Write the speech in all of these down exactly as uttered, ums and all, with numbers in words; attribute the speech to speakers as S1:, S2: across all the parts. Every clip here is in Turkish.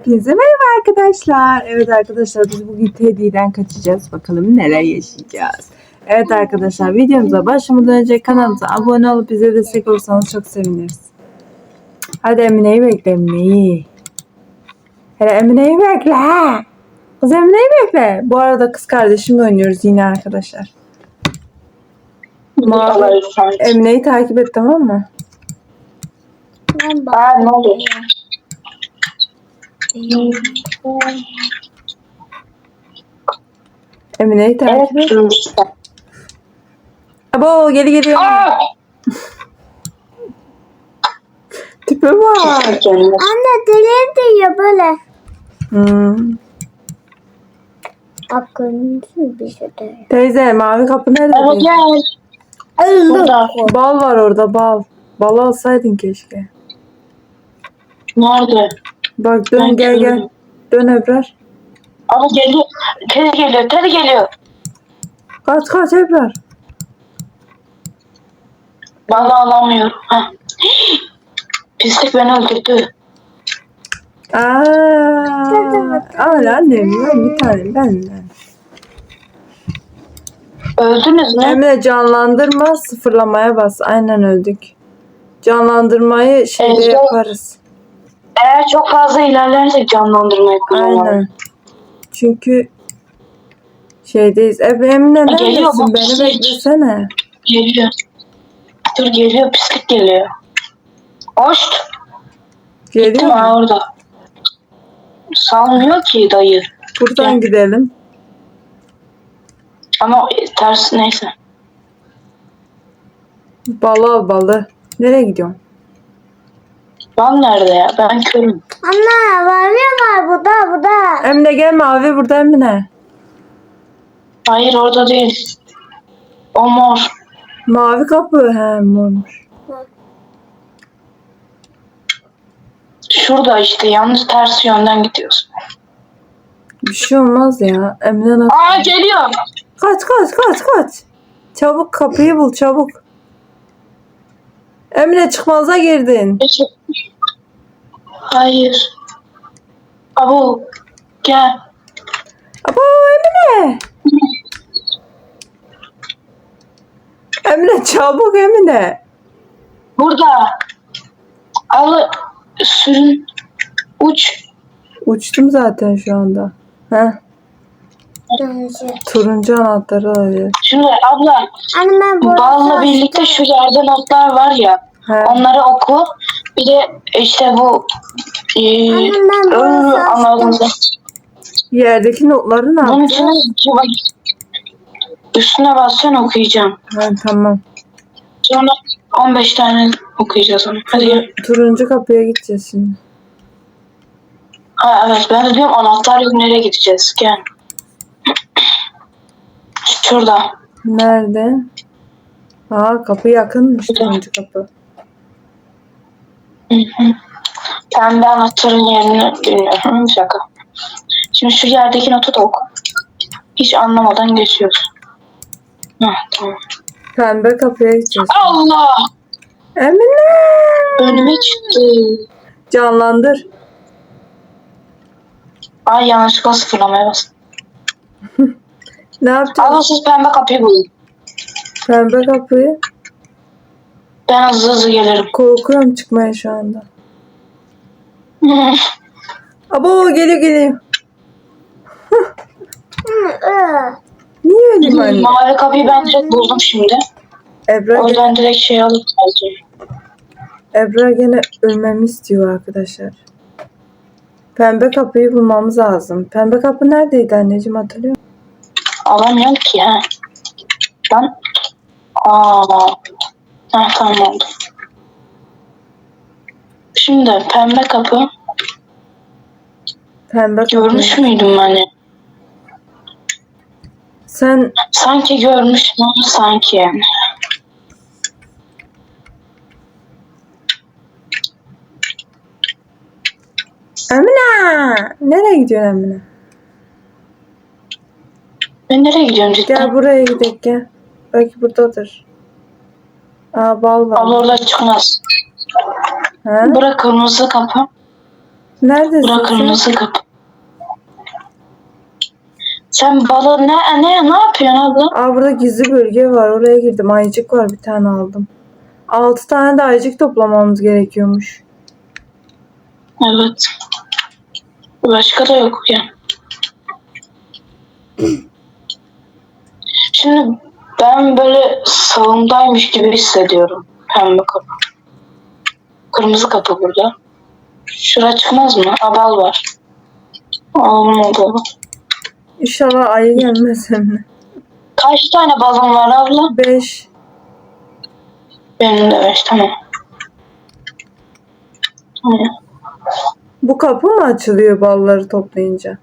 S1: Hepinize merhaba arkadaşlar. Evet arkadaşlar biz bugün Teddy'den kaçacağız. Bakalım neler yaşayacağız. Evet arkadaşlar videomuza başlamadan önce kanalımıza abone olup bize destek olursanız çok seviniriz. Hadi Emine'yi bekle Emine'yi. Hele Emine'yi bekle. Kız Emine'yi bekle. Bu arada kız kardeşimle oynuyoruz yine arkadaşlar. Mavi, Emine'yi takip et, tamam mı?
S2: Aa, ne oluyor?
S1: Emine'yi takip
S2: Evet,
S1: et.
S2: işte.
S1: Abo geri geliyor.
S2: Aa!
S1: Tipe var.
S3: Anne deli diyor böyle.
S1: Hmm.
S3: Akıncı bir şey diyor.
S1: Teyze mavi kapı nerede?
S2: Ama
S1: teyze?
S2: gel. Burada.
S1: Bal var orada, bal. Bal alsaydın keşke.
S2: Nerede?
S1: Bak dön,
S2: Ben
S1: gel gel.
S2: görmedim.
S1: Dön Ebrar.
S2: Ama geliyor. Teri geliyor. Teri geliyor.
S1: Kaç kaç Ebrar.
S2: Vallahi alamıyorum. Ha. Pislik beni öldürdü.
S1: Aaa. Al annem, ben bir tane ben. ben.
S2: Öldünüz mü?
S1: Emre canlandırma, sıfırlamaya bas. Aynen öldük. Canlandırmayı şeyde
S2: Evet.
S1: yaparız.
S2: Eğer çok fazla ilerlersek canlandırma yapacağım.
S1: Aynen. Çünkü şeydeyiz. Ebe Emine
S2: Geliyor,
S1: neredesin?
S2: bak,
S1: Beni
S2: pislik.
S1: beklesene.
S2: Geliyor. Dur geliyor. Pislik geliyor. Hoşt.
S1: Geliyor
S2: Gittim
S1: mu?
S2: ha orada. Salmıyor ki dayı.
S1: Buradan
S2: Gel.
S1: gidelim.
S2: Ama ters neyse.
S1: Balı al balı. Nereye gidiyorsun?
S2: Ben nerede ya? Ben körüm.
S3: Anne var ya var burada burada.
S1: Emine gel, mavi burada Emine.
S2: Hayır orada değil. O mor.
S1: Mavi kapı. He mormuş.
S2: Şurada işte. Yalnız ters yönden gidiyorsun.
S1: Bir şey olmaz ya. Emine nasıl?
S2: Aa geliyor.
S1: Kaç kaç kaç kaç. Çabuk kapıyı bul çabuk. Emine çıkmaza girdin.
S2: Hayır. Abu gel.
S1: Abo Emine. Emine çabuk Emine.
S2: Burada. Al sürün. Uç.
S1: Uçtum zaten şu anda. Heh.
S3: Dönüşü.
S1: Turuncu anahtarı alıyor.
S2: Şimdi abla
S3: Anne ben burada.
S2: balla birlikte şu yerde notlar var ya.
S1: He.
S2: Onları oku. Bir de işte bu e,
S3: Anne ben burada.
S2: ıı, anladın.
S1: Yerdeki notları ne
S2: Bunun
S1: yapacağız?
S2: içine üstüne bassan okuyacağım.
S1: Ha, tamam.
S2: Sonra on beş tane okuyacağız onu. Hadi gel.
S1: Turuncu kapıya gideceğiz şimdi.
S2: Ha, evet ben de diyorum anahtar yok, nereye gideceğiz? Gel. Şurada.
S1: Nerede? Aa kapı yakınmış, turuncu kapı.
S2: Hı hı. Pembe anahtarın yerini bilmiyorum. Şaka. Şimdi şu yerdeki notu da oku. Hiç anlamadan geçiyoruz. Heh, tamam.
S1: Pembe kapıya gideceğiz.
S2: Allah!
S1: Emine!
S2: Önüme çıktı.
S1: Canlandır.
S2: Ay yanlışlıkla sıfırlamaya bastım.
S1: Ne yapacağız?
S2: Ama siz pembe kapıyı bulun.
S1: Pembe kapıyı.
S2: Ben hızlı hızlı gelirim.
S1: Korkuyorum çıkmaya şu anda. Abo geliyor geliyor. Niye öyle anne?
S2: Mavi kapıyı ben direkt buldum şimdi.
S1: Ebra,
S2: O
S1: gene,
S2: yüzden direkt şey alıp geleceğim.
S1: Ebra gene ölmemi istiyor arkadaşlar. Pembe kapıyı bulmamız lazım. Pembe kapı neredeydi anneciğim, hatırlıyor musun?
S2: Alamıyorum ki ha. Ben... Aa. Ha, tamam oldu. Şimdi pembe kapı.
S1: Pembe kapı.
S2: Görmüş müydüm ben?
S1: Sen
S2: Sanki görmüştüm ama sanki yani.
S1: Emine! Nereye gidiyorsun Emine?
S2: Ben nereye gidiyorum cidden?
S1: Gel buraya gidelim gel. Belki buradadır. Aa bal var.
S2: Abla orada çıkmaz.
S1: Ha?
S2: Bırak kırmızı kapı.
S1: Neredesin
S2: Bura
S1: sen?
S2: kırmızı kapı. Sen balı ne ne ne yapıyorsun abla?
S1: Aa, burada gizli bölge var. Oraya girdim. Ayıcık var. Bir tane aldım. Altı tane de ayıcık toplamamız gerekiyormuş.
S2: Evet. Başka da yok ya. Şimdi ben böyle sağımdaymış gibi hissediyorum. Pembe kapı. Kırmızı kapı burada. Şura çıkmaz mı? Abal var. Olmadı.
S1: İnşallah ayı gelmez hem.
S2: Kaç tane balon var abla?
S1: Beş.
S2: Benim de beş. Tamam. Tamam.
S1: Bu kapı mı açılıyor balları toplayınca?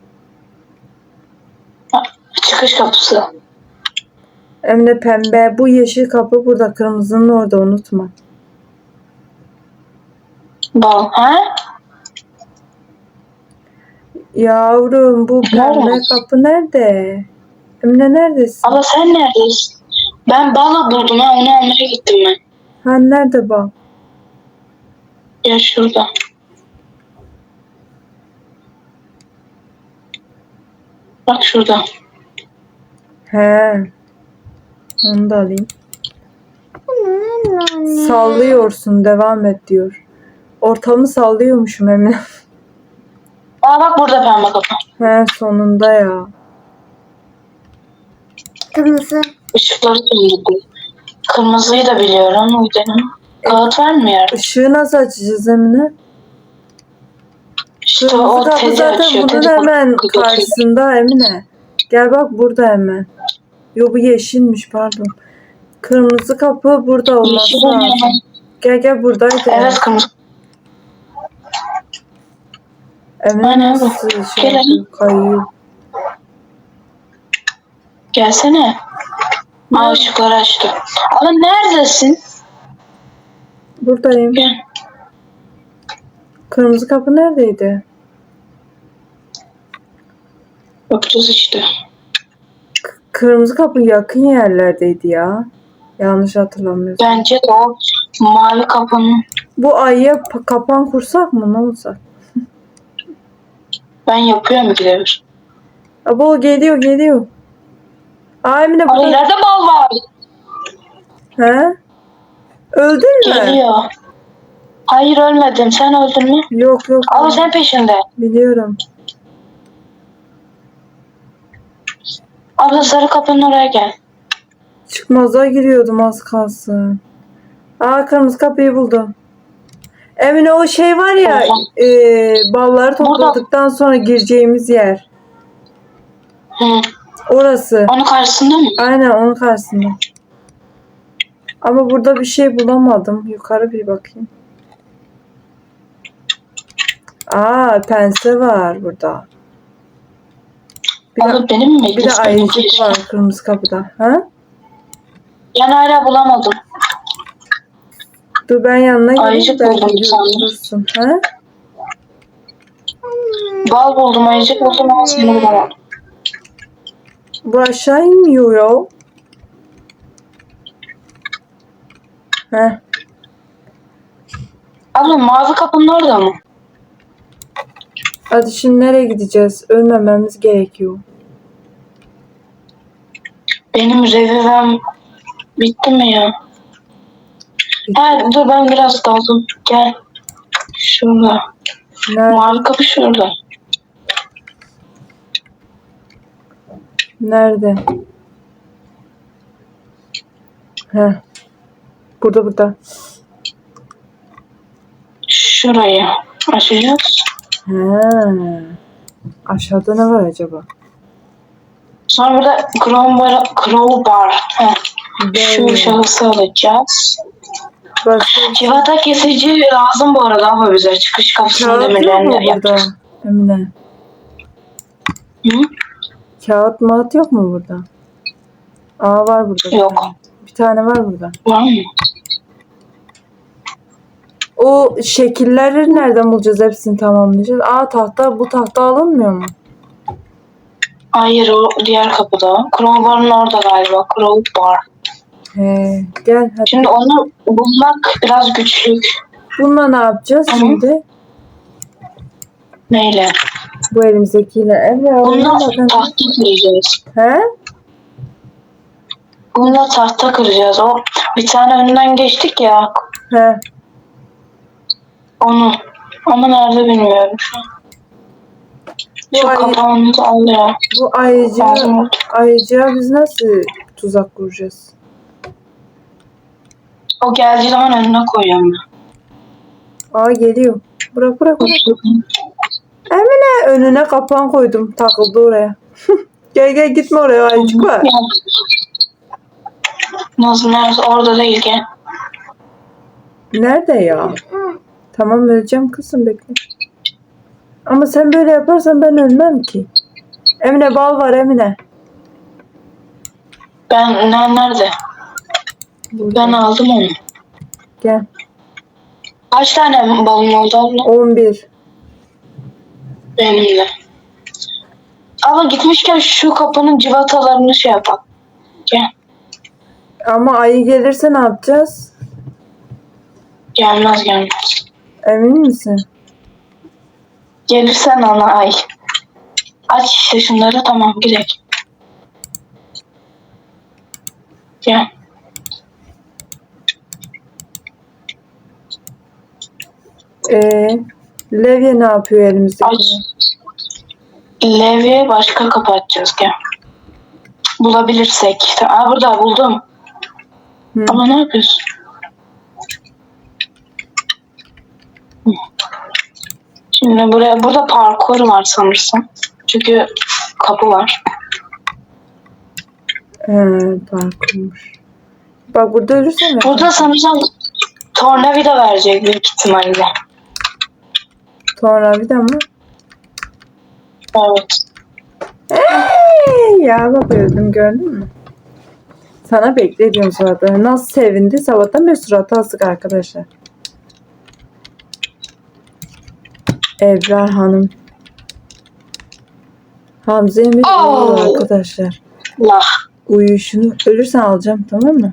S2: Ha, çıkış kapısı.
S1: Hem de pembe. Bu yeşil kapı burada. Kırmızının orada, unutma.
S2: Bal. Ha?
S1: Yavrum, bu pembe
S2: Nerede?
S1: kapı nerede? Emine neredesin?
S2: Abla sen neredesin? Ben balı buldum ha. Onu almaya gittim ben.
S1: Ha, nerede bal?
S2: Ya şurada. Bak şurada.
S1: He. Onu da alayım. Sallıyorsun, devam et diyor. Ortamı sallıyormuşum Emine.
S2: Aa bak burada pembe kapı.
S1: He, sonunda ya.
S3: Kırmızı.
S2: Işıkları söndürdüm. Kırmızıyı da biliyorum. Gidelim. Kağıt var mı yerde?
S1: Işığı nasıl açacağız Emine?
S2: İşte
S1: Kırmızı
S2: o
S1: kapı
S2: tedi
S1: zaten
S2: açıyor.
S1: bunun
S2: Tedi
S1: hemen
S2: bakıyor.
S1: karşısında Emine. Gel bak burada hemen. Yo, bu yeşilmiş, pardon. Kırmızı kapı burada olması
S2: Yeşil
S1: lazım.
S2: hemen.
S1: Gel gel buradaydı.
S2: Evet kırmızı.
S1: Emine
S2: Aynen bu.
S1: nasıl şey
S2: Gel
S1: yapıyor, kayıyor.
S2: Gelsene. Aa ışıkları açtı. Ama neredesin?
S1: Buradayım.
S2: Gel.
S1: Kırmızı kapı neredeydi?
S2: Bakacağız işte.
S1: Kırmızı kapı yakın yerlerdeydi ya. Yanlış hatırlamıyorsam.
S2: Bence de o mavi kapının.
S1: Bu ayıya pa- kapan kursak mı, ne olacak?
S2: Ben yapıyorum gidebilir.
S1: Abo, geliyor geliyor. Aa, Emine
S2: Aa
S1: burada.
S2: ileride bal var.
S1: He? Öldün mü?
S2: Geliyor. Hayır ölmedim. Sen öldün mü?
S1: Yok yok.
S2: Ama sen peşinde.
S1: Biliyorum.
S2: Abla sarı kapının oraya gel.
S1: Çıkmaza giriyordum az kalsın. Aa, kırmızı kapıyı buldum. Emine, o şey var ya, e, balları topladıktan sonra gireceğimiz yer.
S2: Hı.
S1: Orası.
S2: Onun karşısında mı?
S1: Aynen, onun karşısında. Ama burada bir şey bulamadım. Yukarı bir bakayım. Aa, pense var burada. Bir de,
S2: Abla benim mi?
S1: bir de ayıcık var kırmızı kapıda. Ha?
S2: Ben hala bulamadım.
S1: Dur ben yanına geleyim.
S2: Ayıcık
S1: Belki
S2: buldum bir tane.
S1: görürsün. Ha?
S2: Bal buldum, ayıcık buldum ama seni bulamadım.
S1: Bu aşağı inmiyor ya. Heh.
S2: Abla mavi kapının orada mı?
S1: Hadi şimdi nereye gideceğiz? Ölmememiz gerekiyor.
S2: Benim revivem bitti mi ya? Ha, dur ben biraz daldım. Gel. Şurada.
S1: Nerede?
S2: Mavi kapı şurada.
S1: Nerede? Heh. Burada burada.
S2: Şurayı açacağız.
S1: He. Aşağıda ne var acaba?
S2: Sonra burada crowbar, crowbar. Heh. Şu
S1: Değil.
S2: şahısı alacağız.
S1: Başka
S2: Civata kesici lazım bu arada ama bize çıkış kapısının
S1: kağıt yok mu
S2: demirlerini
S1: burada?
S2: yapacağız.
S1: Emine.
S2: Hı?
S1: Kağıt mağat yok mu burada? Aa, var burada.
S2: Yok.
S1: Bir tane var burada.
S2: Var mı?
S1: O şekilleri nereden bulacağız? Hepsini tamamlayacağız. Aa, tahta, bu tahta alınmıyor mu?
S2: Hayır o diğer kapıda. Crowbar'ın orada galiba. Crowbar.
S1: He, gel hadi.
S2: Şimdi onu bulmak biraz güçlük.
S1: Bununla ne yapacağız
S2: Hı hı.
S1: şimdi?
S2: Neyle?
S1: Bu elimizdekiyle. Emre
S2: Bununla
S1: oyuna bakın.
S2: tahta kıracağız.
S1: He?
S2: Bununla tahta kıracağız. O bir tane önünden geçtik ya.
S1: He.
S2: Onu. Ama nerede bilmiyorum şu an.
S1: Bu,
S2: Şu
S1: ay,
S2: kapağını da al ya.
S1: bu ayıcı,
S2: Lazım oldu.
S1: ayıcıya biz nasıl tuzak kuracağız?
S2: O geldiği zaman önüne koyuyorum ben.
S1: Aa geliyor. Bırak bırak bırak. Emine önüne kapan koydum. Takıldı oraya. Gel gel gitme oraya ayıcık var.
S2: Nasıl nerede? Orada değil gel.
S1: Nerede ya? Tamam öleceğim kızım bekle. Ama sen böyle yaparsan ben ölmem ki. Emine bal var Emine.
S2: Ben ne, nerede?
S1: Burada.
S2: Ben aldım onu.
S1: Gel.
S2: Kaç tane balon oldu abla?
S1: on bir.
S2: Benim de. Abla gitmişken şu kapının civatalarını şey yapalım. Gel.
S1: Ama ayı gelirse ne yapacağız?
S2: Gelmez gelmez.
S1: Emin misin?
S2: Gelirsen ana ay. Aç işte şunları tamam gidelim. Gel.
S1: Ee, Levye ne yapıyor elimizdeki?
S2: Aç. Levye başka kapı açacağız gel. Bulabilirsek. Aa burada buldum.
S1: Hı.
S2: Ama ne yapıyorsun? Hı. Şimdi buraya burada parkur var sanırsam. Çünkü kapı var.
S1: He, parkurmuş. Bak burada ölürsen mi?
S2: Burada sanırsam tornavida verecek büyük ihtimalle.
S1: Sonra bir de mi?
S2: Evet.
S1: Hey, ya bak öldüm gördün mü? Sana bekle diyorum zaten. Nasıl sevindi sabahtan beri suratı asık arkadaşlar. Ebrar Hanım. Hamza Emir
S2: Oo.
S1: uyuyor arkadaşlar.
S2: La.
S1: Uyuyuşunu ölürsen alacağım tamam mı?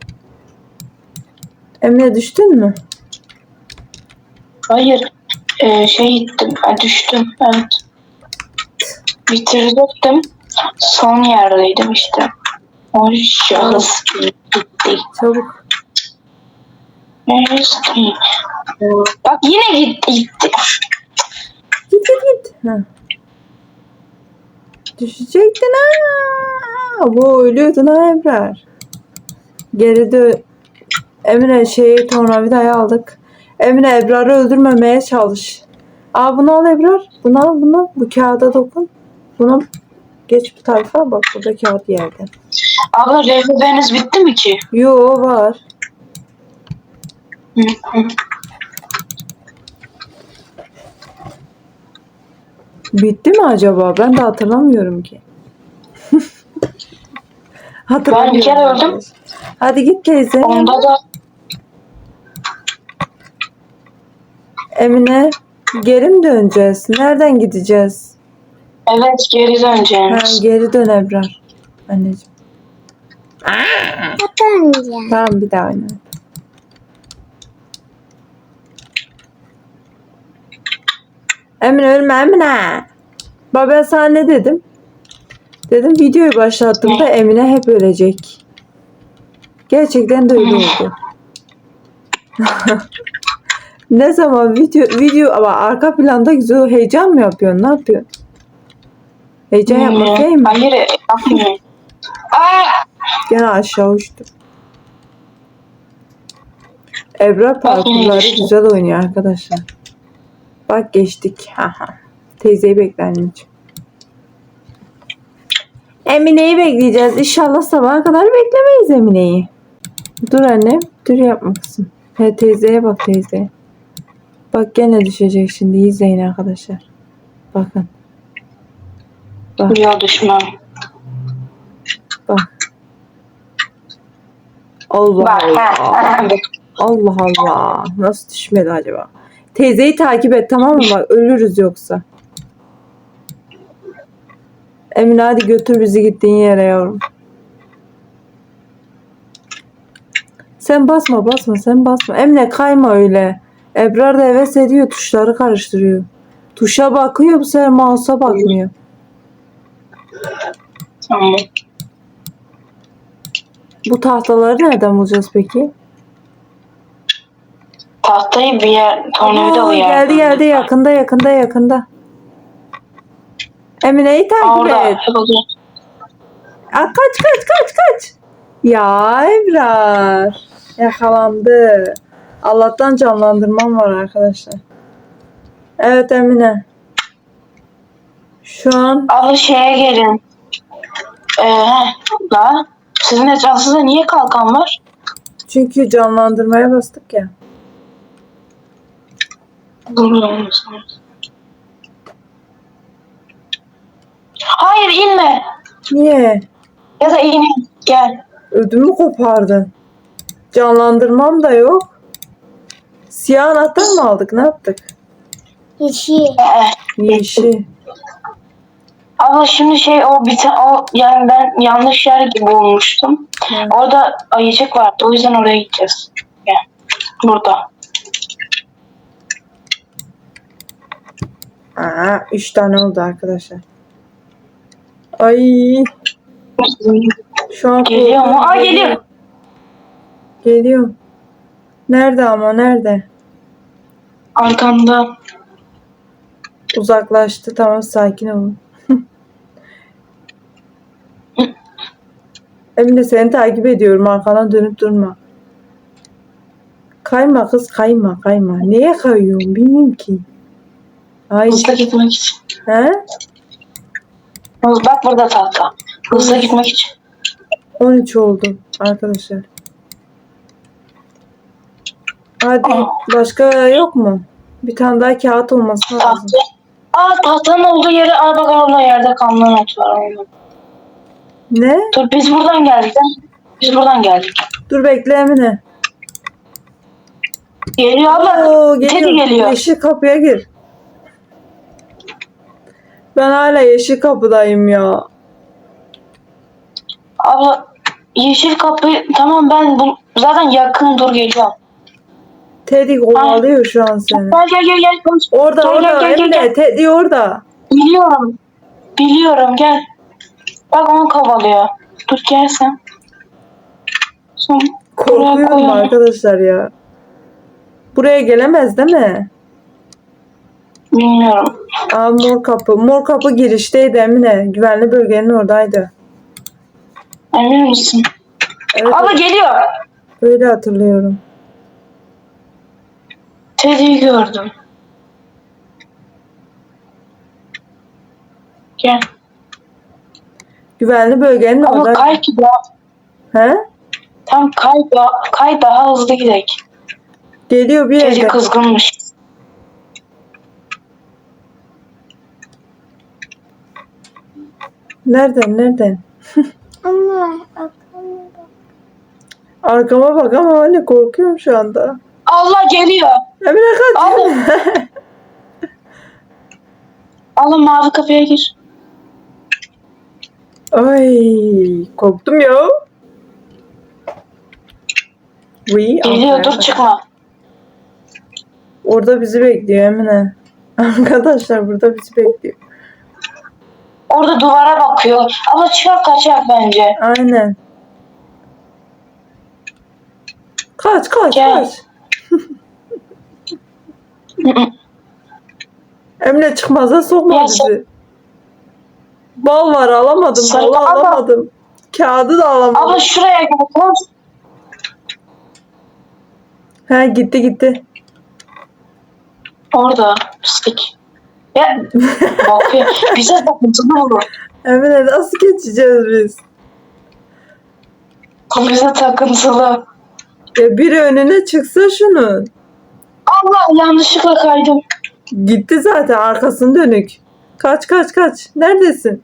S1: Emre düştün mü?
S2: Hayır. Ee, şey gittim. Ha, düştüm. Evet. Bitirecektim. Son yerdeydim işte. O şahıs gitti.
S1: Çabuk.
S2: Neyse ki. Bak yine gitti. gitti.
S1: Git git git. Ha. Düşecektin ha. Bu ölüyordun ha Ebrar. Geri dö... Emre şeyi tornavidayı aldık. Emre Ebrar'ı öldürmemeye çalış. Aa bunu al Ebrar. Bunu al bunu. Bu kağıda dokun. Bunu geç bu tarafa. Bak burada kağıt yerde.
S2: Abla rehberiniz bitti mi ki?
S1: Yo var.
S2: Hı hı.
S1: Bitti mi acaba? Ben de hatırlamıyorum ki. Hatırlamıyorum.
S2: Ben bir kere öldüm.
S1: Hadi git teyze.
S2: Onda da
S1: Emine geri mi döneceğiz? Nereden gideceğiz?
S2: evet geri
S1: Ha,
S2: döneceğiz.
S1: geri dön Ebrar. Anneciğim.
S3: Atınca.
S1: Tamam bir daha oyna. Emine ölme Emine. Bak ben sana ne dedim? Dedim videoyu başlattığımda Emine hep ölecek. Gerçekten de öyle oldu. Ne zaman video video ama arka planda güzel heyecan mı yapıyorsun? Ne yapıyorsun? Heyecan yapmak değil mi?
S2: Hayır yapmıyorum. Aa!
S1: Gene aşağı uçtum. Ebrar parkurları
S2: geçtim.
S1: güzel oynuyor arkadaşlar. Bak geçtik. Haha. Teyzeyi bekle anneciğim. Emine'yi bekleyeceğiz. İnşallah sabaha kadar beklemeyiz Emine'yi. Dur annem. Dur yapma kızım. He teyzeye bak teyzeye. Bak gene düşecek şimdi. İzleyin arkadaşlar. Bakın. Bak
S2: Yok düşmem.
S1: bak. Allah
S2: Bak.
S1: Allah. Allah Allah. Nasıl düşmedi acaba? Teyzeyi takip et tamam mı? Bak ölürüz yoksa. Emine hadi götür bizi gittiğin yere yavrum. Sen basma basma sen basma. Emine kayma öyle. Ebrar da heves ediyor tuşları karıştırıyor. Tuşa bakıyor, bu sefer mouse'a bakmıyor.
S2: Tamam.
S1: Bu tahtaları nereden bulacağız peki?
S2: Tahtayı bir yer, tornavidalı
S1: Aa,
S2: yer.
S1: geldi geldi, yakında yakında yakında. Emine'yi
S2: Aa,
S1: takip
S2: orada.
S1: et. Aa, kaç kaç kaç kaç. Ya Ebrar. Yakalandı. Allah'tan canlandırmam var arkadaşlar. Evet Emine. Şu an
S2: Abi şeye gelin. Ee, heh, da. Sizin etrafınızda niye kalkan var?
S1: çünkü canlandırmaya bastık ya.
S2: Durmuyor musunuz? Hayır inme.
S1: Niye?
S2: Ya da in. Gel.
S1: Ödümü kopardın. Canlandırmam da yok. Siyah anahtar mı aldık? Ne yaptık?
S3: Yeşil.
S2: Ee,
S1: Yeşil.
S2: Abla şimdi şey o bir ta- o yani ben yanlış yer gibi bulmuştum.
S1: Hı.
S2: Orada ayıcık vardı. O yüzden oraya gideceğiz. Gel. Burada.
S1: Aa, üç tane oldu arkadaşlar. Ay, şu an
S2: Geliyor mu?
S1: korkuyorum.
S2: Aa geliyor.
S1: Geliyor. Nerede ama nerede?
S2: Arkamda.
S1: Uzaklaştı. Tamam, sakin olun. Emine, seni takip ediyorum. Arkana dönüp durma. Kayma kız, kayma kayma. Neye kayıyorsun bilmiyorum ki. Ay.
S2: Hızlı gitmek için.
S1: He?
S2: Hız- Bak burada tahta. Hızlı gitmek için.
S1: on üç oldu arkadaşlar. Hadi,
S2: Aa.
S1: başka yok mu? Bir tane daha kağıt olması lazım.
S2: Tahta. Aa tahtanın olduğu yere aa bak orada yerde kanlı not var. Orada.
S1: Ne?
S2: Dur biz buradan geldik. Değil mi? Biz buradan geldik.
S1: Dur bekle Emine.
S2: Geliyor abla.
S1: Oo,
S2: Teddy geliyor.
S1: Yeşil kapıya gir. Ben hala yeşil kapıdayım ya.
S2: Abla yeşil kapı tamam ben bu zaten yakın dur geliyorum.
S1: Teddy kovalıyor şu an seni.
S2: Gel gel gel gel. koş.
S1: Orada
S2: Gel,
S1: orada
S2: gel, gel, gel,
S1: Emine,
S2: gel.
S1: Teddy orada.
S2: Biliyorum. Biliyorum gel. Bak onu kovalıyor. Dur gel sen. Son. Buraya
S1: Korkuyorum
S2: koyalım.
S1: arkadaşlar ya. Buraya gelemez değil mi?
S2: Bilmiyorum.
S1: Aa, mor kapı. Mor kapı girişteydi Emine. Güvenli bölgenin oradaydı.
S2: Emin misin?
S1: Evet,
S2: Abla geliyor.
S1: öyle hatırlıyorum.
S2: Teddy'yi gördüm. Gel.
S1: Güvenli bölgenin
S2: Ama
S1: oradaydı.
S2: kay ki daha.
S1: He?
S2: Tam kay, daha, kay daha hızlı gidelim.
S1: Geliyor bir
S2: Teddy
S1: yerde.
S2: kızgınmış.
S1: Nereden nereden?
S3: Anne. Aklıma bak.
S1: Arkama bak ama anne, korkuyorum şu anda.
S2: Allah geliyor.
S1: Emine kaç.
S2: Allah. Allah mavi kapıya gir.
S1: Ay, korktum ya. Oui,
S2: Geliyor
S1: aferin.
S2: dur çıkma.
S1: Orada bizi bekliyor Emine. Arkadaşlar burada bizi bekliyor.
S2: Orada duvara bakıyor. Abla çıkar kaçar bence.
S1: Aynen. Kaç kaç
S2: Gel.
S1: kaç. Emine, çıkmaza sokma
S2: Ya
S1: bizi.
S2: sen-
S1: Bal var, alamadım.
S2: Sarı-
S1: Balı
S2: Abla.
S1: alamadım. Kağıdı da alamadım.
S2: Abla şuraya gel. Koş.
S1: He, gitti gitti.
S2: Orada pislik. Ya bakıyor. Bize takıntılı olur.
S1: Emine, nasıl geçeceğiz biz?
S2: Bu bize takıntılı.
S1: Ya biri önüne çıksa şunun.
S2: Allah yanlışlıkla kaydım.
S1: Gitti zaten, arkasını dönük. Kaç kaç kaç. Neredesin?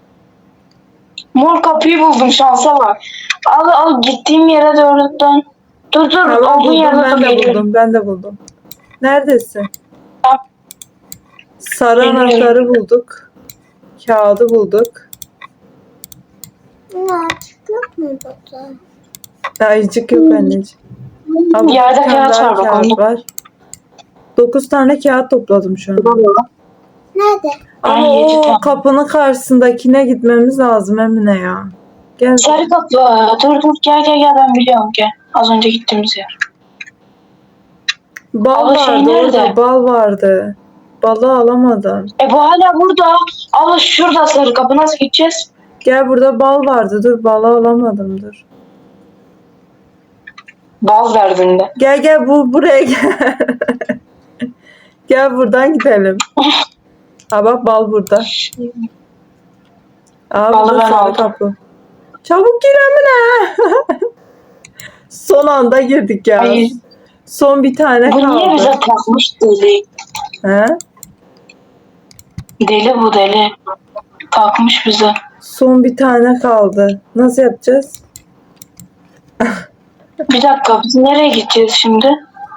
S2: Mor kapıyı buldum şansa bak. Al al gittiğim yere doğru dön. Dur dur
S1: Tamam,
S2: olduğun
S1: buldum,
S2: yerde
S1: ben
S2: dur
S1: de
S2: geliyorum.
S1: buldum. Ben de buldum. Neredesin?
S2: Tamam.
S1: Sarı
S2: Geliyorum.
S1: anahtarı bulduk. Kağıdı bulduk.
S3: Anne açık yok mu burada?
S1: Ayıcık yok anneciğim. Ama
S2: Yerde
S1: bir tane
S2: kağıt
S1: daha
S2: var bak
S1: kağıt
S2: onu.
S1: var. Dokuz tane kağıt topladım şu an.
S3: Nerede?
S1: Ama
S2: Ay, yedi
S1: o
S2: tane.
S1: kapının karşısındakine gitmemiz lazım Emine ya. Gel.
S2: Sarı kapı. Dur dur gel gel gel ben biliyorum gel. Az önce gittiğimiz yer.
S1: Bal
S2: Abla şey
S1: vardı
S2: nerede?
S1: orada. Bal vardı. Balı alamadım.
S2: E bu hala burada. Abla şurada sarı kapı nasıl gideceğiz?
S1: Gel burada bal vardı. Dur balı alamadım dur.
S2: Bal derdinde.
S1: Gel gel bu buraya gel. Gel buradan gidelim. Ha bak bal burada. Aa
S2: Balı
S1: burada
S2: ben
S1: sarı
S2: aldım.
S1: kapı. Çabuk gir Emine. Son anda girdik ya.
S2: Hayır.
S1: Son bir tane
S2: Bu niye
S1: kaldı.
S2: bize takmış deli?
S1: He?
S2: Deli bu deli. Takmış bize.
S1: Son bir tane kaldı. Nasıl yapacağız?
S2: Bir dakika biz nereye gideceğiz şimdi?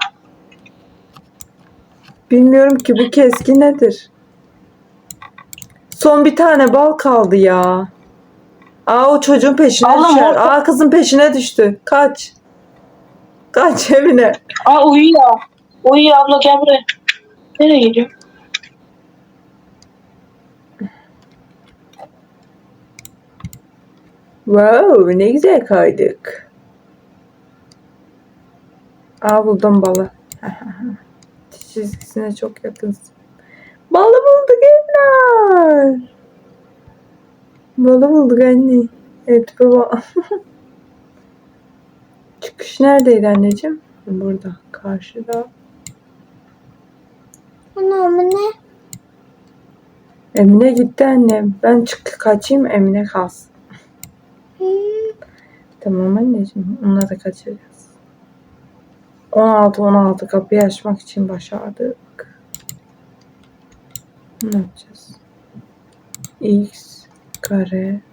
S1: Bilmiyorum ki bu keski nedir? Son bir tane bal kaldı ya. Aa o çocuğun peşine
S2: Allah
S1: düşer.
S2: Allah.
S1: Aa kızın peşine düştü. Kaç. Kaç Emine.
S2: Aa uyuyor. Uyuyor abla gel buraya. Nereye gidiyor?
S1: Wow ne güzel kaydık. Aa buldum balı. Çizgisine çok yakınsın. Balı bulduk Emine. Balı bulduk anne. Evet baba. Çıkış neredeydi anneciğim? Burada. Karşıda.
S3: Ana ama ne?
S1: Emine gitti annem. Ben çık kaçayım Emine kalsın.
S3: Hmm.
S1: Tamam anneciğim. Onları da kaçıracağız. on altı on altı kapıyı açmak için başardık. Ne yapacağız? X kare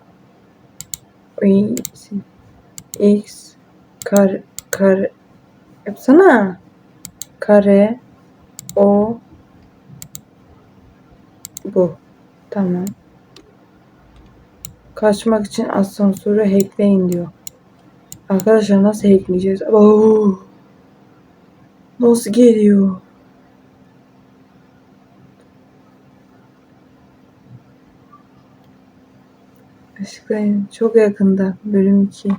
S1: X X kare kare yapsana. Kare o bu. Tamam. Kaçmak için asansörü hackleyin diyor. Arkadaşlar nasıl hackleyeceğiz? Oo. Nasıl geliyor? Işıklayın. Çok yakında bölüm iki.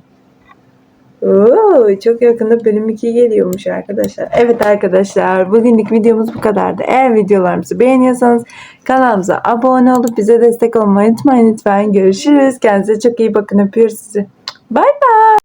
S1: Oo, çok yakında bölüm iki geliyormuş arkadaşlar. Evet arkadaşlar bugünlük videomuz bu kadardı. Eğer videolarımızı beğeniyorsanız kanalımıza abone olup bize destek olmayı unutmayın lütfen. Görüşürüz. Kendinize çok iyi bakın. Öpüyoruz sizi. Bye bye.